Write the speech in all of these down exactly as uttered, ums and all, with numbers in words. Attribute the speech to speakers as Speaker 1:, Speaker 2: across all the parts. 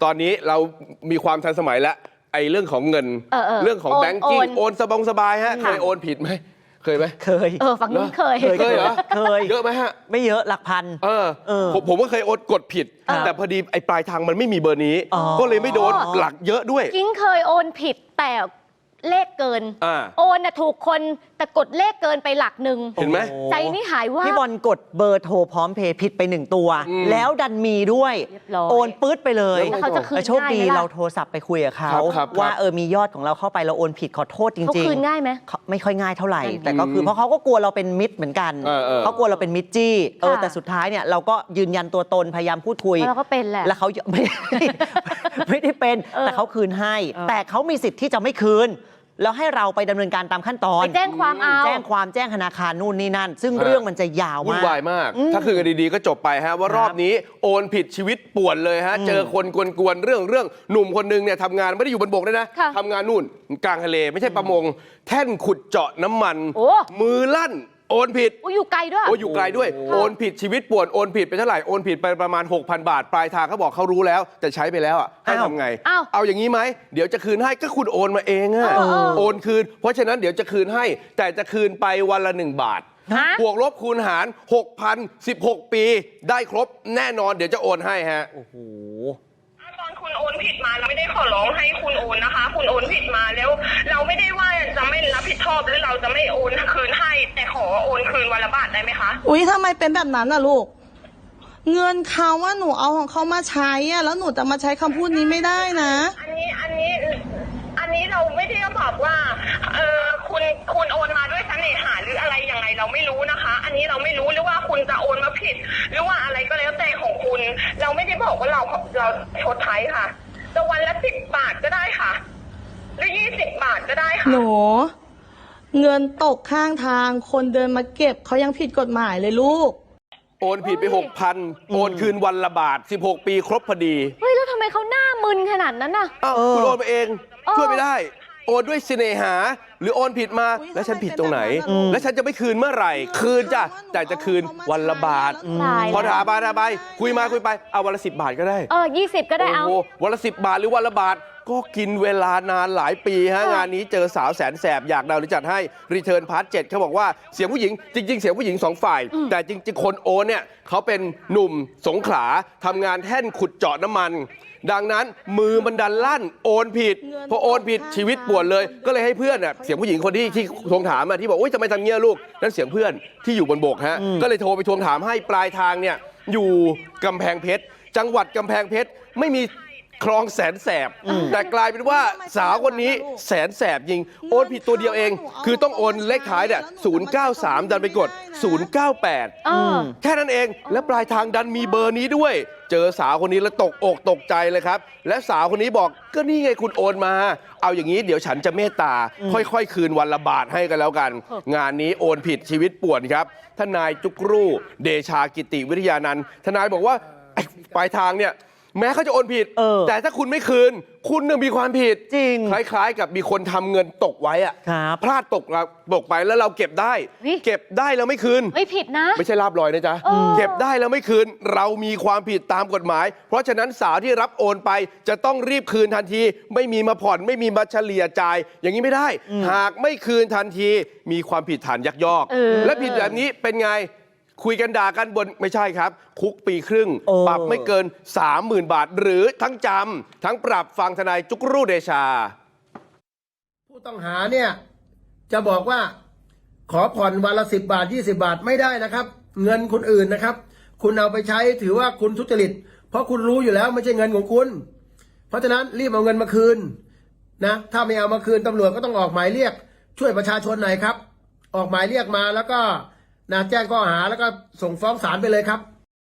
Speaker 1: ตอนนี้เรามีความทันสมัยแล้วไอ้เรื่องของเงิน
Speaker 2: เออเออ
Speaker 1: เรื่องของ
Speaker 2: โอน
Speaker 1: แบงกิ้ง
Speaker 2: โอน
Speaker 1: โอนสบงสบายฮะเคยโอนผิดไหมเคยไหม
Speaker 3: เคย
Speaker 2: เออฝั่งนู้นเคย
Speaker 3: เคย
Speaker 1: เคยเหรอ
Speaker 3: เคย
Speaker 1: เยอะไหมฮะ
Speaker 3: ไม่เยอะหลักพัน
Speaker 1: เออ
Speaker 3: เออ
Speaker 1: ผมผมก็เคยโอนกดผิด
Speaker 3: ครับ
Speaker 1: แต่พอดีไอ้ปลายทางมันไม่มีเบอร์นี้
Speaker 3: อ๋อ
Speaker 1: ก็เลยไม่โดนหลักเยอะด้วย
Speaker 2: กิ้งเคยโอนผิดแต่เลขเกิน
Speaker 1: อ่า
Speaker 2: โอนน่ะถูกคนแต่กดเลขเกินไปหลักหนึ่ง
Speaker 1: เห็นไหม
Speaker 3: โอ้
Speaker 2: ใจนี่หายว่า
Speaker 3: พี่บอลกดเบอร์โทรพร้อมเพย์ผิดไปหนึ่งตัว
Speaker 1: อืม
Speaker 3: แล้วดันมีด้วย
Speaker 2: เรียบร้อย
Speaker 3: โอนปื๊ดไปเลย
Speaker 2: แล้วเขาจะคืน
Speaker 3: แต่โชคดี
Speaker 2: ง่ายไหมล่ะ
Speaker 3: เราโทรศัพท์ไปคุยกับเขา
Speaker 1: ครับครับ
Speaker 3: ว่า
Speaker 1: ครับ
Speaker 3: เออมียอดของเราเข้าไปเราโอนผิดขอโทษจริงๆ
Speaker 2: เขาคืนง่ายไหม
Speaker 3: เขาไม่ค่อยง่ายเท่าไหร่
Speaker 2: อืม
Speaker 3: แต่ก็คือเพราะเขาก็กลัวเราเป็นมิตรเหมือนกัน
Speaker 1: เออเออ
Speaker 3: เขากลัวเราเป็นมิตรจี้เออ
Speaker 2: ค่ะ
Speaker 3: แต่สุดท้ายเนี่ยเราก็ยืนยันตัวตนพยายามพูดคุย
Speaker 2: เพราะเราก็เป็นแหละ
Speaker 3: แล้วเขา ไม่ได้ ไม่ได้เป็น
Speaker 2: เออ
Speaker 3: แต่เขาคืนให้
Speaker 2: เออ
Speaker 3: แต่เขามีสิทธิ์ที่จะไม่คืน แล้วให้เราไปดำเนินการตามขั้นตอน
Speaker 2: ไปแจ้งความเอา
Speaker 3: แจ้งความแจ้งธนาคารนู่นนี่นั่น ซึ่ง
Speaker 1: เออ
Speaker 3: เรื่องมันจะยาว
Speaker 1: วุ่น
Speaker 3: มาก
Speaker 1: วายมาก
Speaker 3: อืม
Speaker 1: ถ้าคือกันดีๆก็จบไปฮะว่า
Speaker 3: ครับ
Speaker 1: รอบนี้โอนผิดชีวิตป่วนเลยฮะ
Speaker 3: อืม
Speaker 1: เจอคนกวนๆเรื่องเรื่องหนุ่มคนหนึงเนี่ยทำงานไม่ได้อยู่บนบกด้วยนะ
Speaker 2: ค่ะ
Speaker 1: ทำงานนู่นกลางทะเลไม่ใช่ประมง แท่นขุดเจาะน้ำมัน
Speaker 2: โอ้
Speaker 1: มือลั่นโอนผิด
Speaker 2: โอ้อยู่ไกลด้วย
Speaker 1: โอ้อยู่ไกลด้วย โอนผิดชีวิตป่วนโอนผิดไปเท่าไหร่โอนผิดไปประมาณ หกพัน บาท ปลายทางเขาบอกเขารู้แล้ว แต่ใช้ไปแล้วอ่ะให้
Speaker 3: อ้าว
Speaker 1: ทำไง
Speaker 2: อ้าว
Speaker 1: เอาอย่างนี้ไหมเดี๋ยวจะคืนให้ก็คุณโอนมาเองอะ
Speaker 2: เออเออ
Speaker 1: โอนคืน เพราะฉะนั้นเดี๋ยวจะคืนให้ แต่จะคืนไปวันละหนึ่งบาท
Speaker 2: ฮะ
Speaker 1: บวกลบคูณหาร หกพันสิบหก ปี ได้ครบแน่นอนเดี๋ยวจะโอนให้ฮะ
Speaker 3: โอ้โห
Speaker 4: ตอนคุณโอนผิดมาเราไม่ได้ขอร้องให้คุณโอนนะคะ คุณโอนผิดมาแล้ว เราไม่ได้ว่าจะไม่รับผิดชอบหรือเราจะไม่โอนคืนให้ แต่ขอโอนคืนวันละบาทได้ไหมคะ
Speaker 5: อุ๊ยทำไมเป็นแบบนั้นน่ะลูก เงินเขาว่าหนูเอาของเขามาใช้อะแล้วหนูจะมาใช้คำพูดนี้ไม่ได้นะ
Speaker 4: อันนี้อันนี้อันนี้เราไม่ได้บอกว่าเออคุณคุณโอนมาด้วยเสน่หาหรืออะไรยังไงเราไม่รู้นะคะ อันนี้เราไม่รู้หรือว่าคุณจะโอนมาผิด หรือว่าอะไรก็แล้วแต่ของคุณ เราไม่ได้บอกว่าเราเราชดใช้ค่ะจะวันละสิบบาทก็ได้ค่ะ หรือยี่สิบบาทก็ได้ค่ะ
Speaker 5: หนู เงินตกข้างทางคนเดินมาเก็บเขายังผิดกฎหมายเลยลูก
Speaker 1: โอนผิดไป หกพัน โอนคืนวันละบาท สิบหก ปีครบพอดี
Speaker 2: เฮ้ยแล้วทำไมเขาหน้ามึนขนาดนั้นน่ะ
Speaker 1: อ้าว
Speaker 3: เออ
Speaker 1: คุณโอนมาเอง
Speaker 2: เออ
Speaker 1: ช่วยไม่ได้ โอนด้วยเสน่หา หรือโอนผิดมา
Speaker 5: อุ๊ย
Speaker 1: แล้วฉันผิดตรงไหน
Speaker 5: ทำไมเป็นแบบนั้นล่ะ
Speaker 1: แล้วฉันจะไม่คืนเมื่อไหร่ คืนจ้ะแต่จะคืนวันละบาท
Speaker 2: ตาย
Speaker 1: พอ
Speaker 2: แล้ว
Speaker 1: ถามมาถามไปคุยมาคุยไปเอาวันละสิบบาทก็ได้
Speaker 2: เออยี่สิบก็ได้เอา
Speaker 1: โอ้โหวันละสิบบาทหรือวันละบาท ก็กินเวลานานหลายปีฮะ
Speaker 2: ค่ะ
Speaker 1: งานนี้เจอสาวแสนแสบอยากดาวหรือจัดให้รีเทิร์นพาร์ทเจ็ดเขาบอกว่าเสียงผู้หญิงจริง ๆ เสียงผู้หญิงสองฝ่าย แต่จริง ๆ คนโอนเนี่ยเขาเป็นหนุ่มสงขลาทำงานแท่นขุดเจาะน้ำมัน ดังนั้นมือมันดันลั่นโอนผิด
Speaker 5: เงิน
Speaker 1: พอโอนผิด
Speaker 5: ตกข้าง
Speaker 1: ชีวิตป่วนเลย ก็เลยให้เพื่อนน่ะเสียงผู้หญิงคนที่ที่ทวงถามอะที่บอกโอ๊ยทำไมทำเงี้ยลูกนั่นเสียงเพื่อนที่อยู่บนบกฮะก็เลยโทรไปทวงถามให้ปลายทางเนี่ยอยู่กำแพงเพชรจังหวัดกำแพงเพชรไม่มีคลองแสนแสบ แต่กลายเป็นว่าสาวคนนี้แสนแสบยิงโอนผิดตัวเดียวเอง คือต้องโอนเลขท้ายเนี่ยศูนย์เก้าสามดันไปกดศูนย์เก้าแปด
Speaker 2: เออ
Speaker 1: แค่นั้นเองและปลายทางดันมีเบอร์นี้ด้วย เจอสาวคนนี้แล้วตกอกตกใจเลยครับ และสาวคนนี้บอกก็นี่ไงคุณโอนมา เอาอย่างนี้เดี๋ยวฉันจะเมตตา ค่อยๆ คืนวันละบาทให้กันแล้วกัน งานนี้โอนผิดชีวิตป่วนครับทนายจุกรูเดชากิติวิทยานันท์ทนายบอกว่าไอ้ปลายทางเนี่ยแม้เขาจะโอนผิด
Speaker 3: เออ
Speaker 1: แต่ถ้าคุณไม่คืน คุณเนี่ยมีความผิด
Speaker 3: จริง
Speaker 1: คล้ายๆ กับมีคนทำเงินตกไว้อะ
Speaker 3: ครับ
Speaker 1: พลาดตกเราตกไปแล้วเราเก็บได้
Speaker 2: เฮ้ย
Speaker 1: เก็บได้แล้วไม่คืน
Speaker 2: ไม่ผิดนะ
Speaker 1: ไม่ใช่ลาบลอยนะจ๊ะ
Speaker 2: เออ
Speaker 1: เก็บได้แล้วไม่คืน เรามีความผิดตามกฎหมาย เพราะฉะนั้นสาวที่รับโอนไปจะต้องรีบคืนทันที ไม่มีมาผ่อนไม่มีมาเฉลี่ยจ่าย อย่างนี้ไม่ได้ หากไม่คืนทันที มีความผิดฐานยักยอก
Speaker 2: เออ
Speaker 1: และผิดแบบนี้เป็นไง คุยกันด่ากันบนไม่ใช่ครับ คุกปีครึ่ง
Speaker 3: เออ
Speaker 1: ปรับไม่เกิน สามหมื่น บาท หรือทั้งจำทั้งปรับฟังทนายจุกรูเดชา
Speaker 6: ผู้ต้องหาเนี่ยจะบอกว่าขอผ่อนวันละสิบบาทยี่สิบาทไม่ได้นะครับ เงินคนอื่นนะครับ คุณเอาไปใช้ถือว่าคุณทุจริต เพราะคุณรู้อยู่แล้วไม่ใช่เงินของคุณ เพราะฉะนั้นรีบเอาเงินมาคืนนะถ้าไม่เอามาคืนตำรวจก็ต้องออกหมายเรียก ช่วยประชาชนหน่อยครับ ออกหมายเรียกมาแล้วก็นะแจ้งข้อหาแล้วก็ส่งฟ้องศาลไปเลยครับ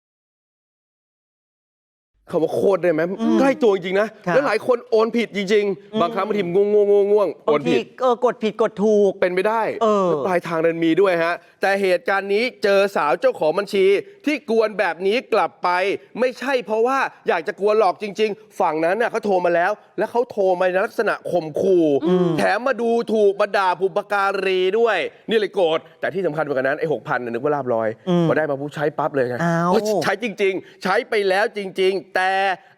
Speaker 1: คำว่าโคตรได้ไหมใกล้ตัวจริงๆนะ
Speaker 3: ครับ
Speaker 1: แล้วหลายคนโอนผิดจริง ๆ บางครั้งบางทีง่วงง่วงง่วงง่วงโอบ
Speaker 3: าน งที
Speaker 1: ผิด
Speaker 3: เออกดผิดกดถูก
Speaker 1: เป็นไปได้
Speaker 3: เออ
Speaker 1: แล้วปลายทางนั้นมีด้วยฮะ แต่เหตุการณ์นี้เจอสาวเจ้าของบัญชี ที่กวนแบบนี้กลับไป ไม่ใช่เพราะว่าอยากจะกวนหลอกจริง ๆ ฝั่งนั้นน่ะเขาโทรมาแล้ว แล้วเขาโทรมาในลักษณะข่มขู่แถมมาดูถูกมาด่าบุปการีด้วย นี่เลยโกรธแต่ที่สำคัญกว่านั้นไอ้หกพันนึกว่าลาบลอยพอได้มาผู้ใช้ปั๊บเลยไง
Speaker 3: อ้าว
Speaker 1: เพราะใช้จริง ๆ ใช้ไปแล้วจริง ๆ แต่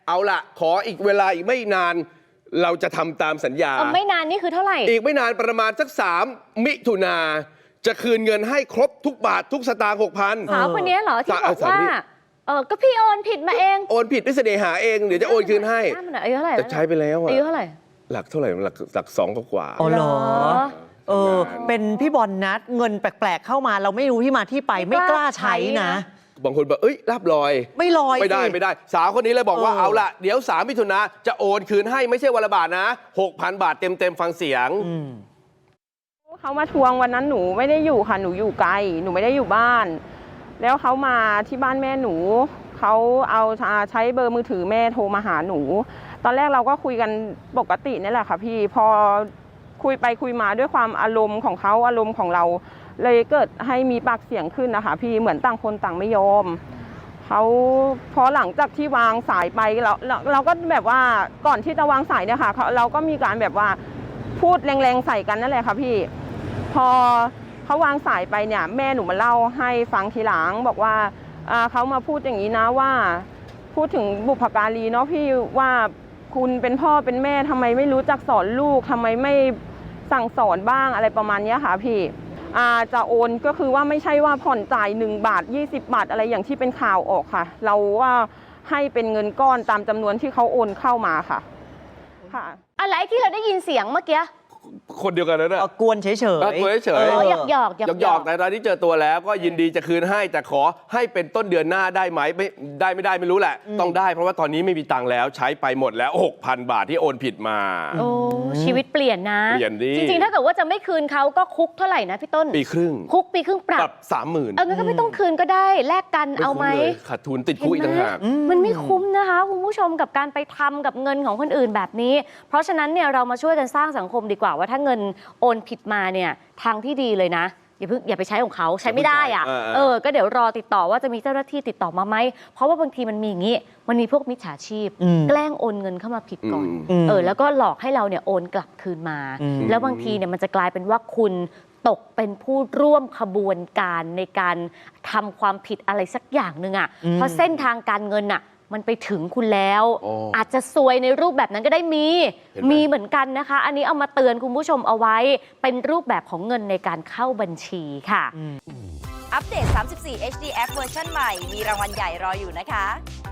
Speaker 1: เอาละขออีกเวลาอีกไม่นาน เราจะทำตามสัญญา
Speaker 2: เออไม่นานนี่คือเท่าไหร่
Speaker 1: อีกไม่นานประมาณสักสามมิถุนาจะคืนเงินให้ครบทุกบาททุกสตางค์หกพัน
Speaker 2: สาวคนนี้เหรอที่
Speaker 1: สาว
Speaker 2: บอก
Speaker 1: สาว
Speaker 2: ว่า
Speaker 1: นี่
Speaker 2: เออก็พี่โอนผิดมาเอง
Speaker 1: โอนผิดด้วยเสน่หาเองเดี๋ยวจะโอนคืนให้
Speaker 2: หน้ามันอายุเท่าไหร่
Speaker 1: แต่ใช้ไปแล้วอะ
Speaker 2: อายุเท่าไหร่
Speaker 1: หลักเท่าไหร่หลักหลักสองกว่า
Speaker 3: อ๋อเหรอ เออ
Speaker 1: ทำงาน
Speaker 3: เป็นพี่บอลนัดเงินแปลกๆเข้ามา เราไม่รู้ที่มาที่ไป
Speaker 2: ไม่
Speaker 3: ไม่
Speaker 2: ก
Speaker 3: ก
Speaker 2: ล้า
Speaker 3: ล้าใช้
Speaker 2: ใช้
Speaker 3: นะ
Speaker 2: นะ
Speaker 1: บางคนบอกเอ้ยรับลอย
Speaker 3: ไม่ลอย
Speaker 1: ไม่ได้
Speaker 3: สิ
Speaker 1: ไม่ได้ สาวคนนี้เลยบอกว่า
Speaker 3: เออ
Speaker 1: เอาละเดี๋ยวสามมิถุนาจะโอนคืนให้ไม่ใช่วันละบาทนะหกพันบาทเต็มเต็มๆฟังเสียง
Speaker 3: อืม
Speaker 7: เขามาทวงวันนั้นหนูไม่ได้อยู่ค่ะหนูอยู่ไกลหนูไม่ได้อยู่บ้าน แล้วเขามาที่บ้านแม่หนูเขาเอาใช้เบอร์มือถือแม่โทรมาหาหนู ตอนแรกเราก็คุยกันปกตินี่แหละค่ะพี่พอคุยไปคุยมาด้วยความอารมณ์ของเขาอารมณ์ของเรา เลยเกิดให้มีปากเสียงขึ้นนะคะพี่เหมือนต่างคนต่างไม่ยอมเขาพอหลังจากที่วางสายไปเราเราเราก็แบบว่าก่อนที่จะวางสายเนี่ยค่ะเขาเราก็มีการแบบว่าพูดแรงๆใส่กันนั่นแหละค่ะพี่พอเขาวางสายไปเนี่ยแม่หนูมาเล่าให้ฟังทีหลังบอกว่าอ่าเขามาพูดอย่างนี้นะว่าพูดถึงบุพการีเนาะพี่ว่าคุณเป็นพ่อเป็นแม่ทำไมไม่รู้จักสอนลูกทำไมไม่สั่งสอนบ้างอะไรประมาณนี้ค่ะพี่อ่าจะโอนก็คือว่าไม่ใช่ว่าผ่อนจ่ายหนึ่งบาทยี่สิบบาทอะไรอย่างที่เป็นข่าวออกค่ะ เราว่าให้เป็นเงินก้อนตามจำนวนที่เขาโอนเข้ามาค่ะค่ะ
Speaker 2: อะไรที่เราได้ยินเสียงเมื่อกี้
Speaker 1: คนเดียวกันนั่นแหละ
Speaker 3: เอากวนเฉยๆ
Speaker 1: เอากวนเฉยๆ
Speaker 3: อ
Speaker 2: อ๋
Speaker 3: อ
Speaker 2: อหยอกหยอกหยอก
Speaker 1: หยอกๆแต่ตอนนี้เจอตัวแล้วก็ยินดีจะคืนให้ แต่ขอให้เป็นต้นเดือนหน้าได้ไหมไม่ได้ไม่ได้ไม่รู้แหละ ต้องได้เพราะว่าตอนนี้ไม่มีตังค์แล้วใช้ไปหมดแล้ว หกพัน บาทที่โอนผิดมา
Speaker 2: โอ้ชีวิตเปลี่ยนนะ
Speaker 1: เปลี่ยนดิ
Speaker 2: จริงๆ ถ้าเกิดว่าจะไม่คืนเขาก็คุกเท่าไหร่นะพี่ต้น
Speaker 1: ปีครึ่ง
Speaker 2: คุกปีครึ่งปรั
Speaker 1: ปรั
Speaker 2: บบ
Speaker 1: สามหมื่น
Speaker 2: เอองั้นก็ไม่ต้องคืนก็ได้แลกกันเอาไหม
Speaker 1: ขาดทุนติดคุกอีกต่างหาก
Speaker 2: มันไม่คุ้มนะคะคุณผู้ชมกับการไปทำกับเงินของคนอื่นแบบนี้ เพราะฉะนั้นเนี่ยเรามาช่วยกันสร้างสังคมดีกว่าว่าถ้าเงินโอนผิดมาเนี่ยทางที่ดีเลยนะอย่าเพิ่งอย่าไปใช้ของเขาใช้ไม่ได้อะ
Speaker 1: เออเออ
Speaker 2: เออก็เดี๋ยวรอติดต่อว่าจะมีเจ้าหน้าที่ติดต่อมาไหมเพราะว่าบางทีมันมีอย่างนี้มันมีพวกมิจฉาชีพ
Speaker 3: อืม
Speaker 2: แกล้งโอนเงินเข้ามาผิดก่อน
Speaker 3: อืม
Speaker 2: เออแล้วก็หลอกให้เราเนี่ยโอนกลับคืนมา
Speaker 3: อืม
Speaker 2: แล้วบางทีเนี่ยมันจะกลายเป็นว่าคุณตกเป็นผู้ร่วมขบวนการในการทำความผิดอะไรสักอย่างหนึ่งอ่ะเพราะเส้นทางการเงินอ่ะมันไปถึงคุณแล้ว
Speaker 1: อ๋ออ
Speaker 2: อาจจะซวยในรูปแบบนั้นก็ได้มี
Speaker 1: เห็นไหม
Speaker 2: มีเหมือนกันนะคะ อันนี้เอามาเตือนคุณผู้ชมเอาไว้ เป็นรูปแบบของเงินในการเข้าบัญชีค่ะ
Speaker 8: อัปเดต สามสิบสี่ เอช ดี แอป เวอร์ชันใหม่ มีรางวัลใหญ่รออยู่นะคะ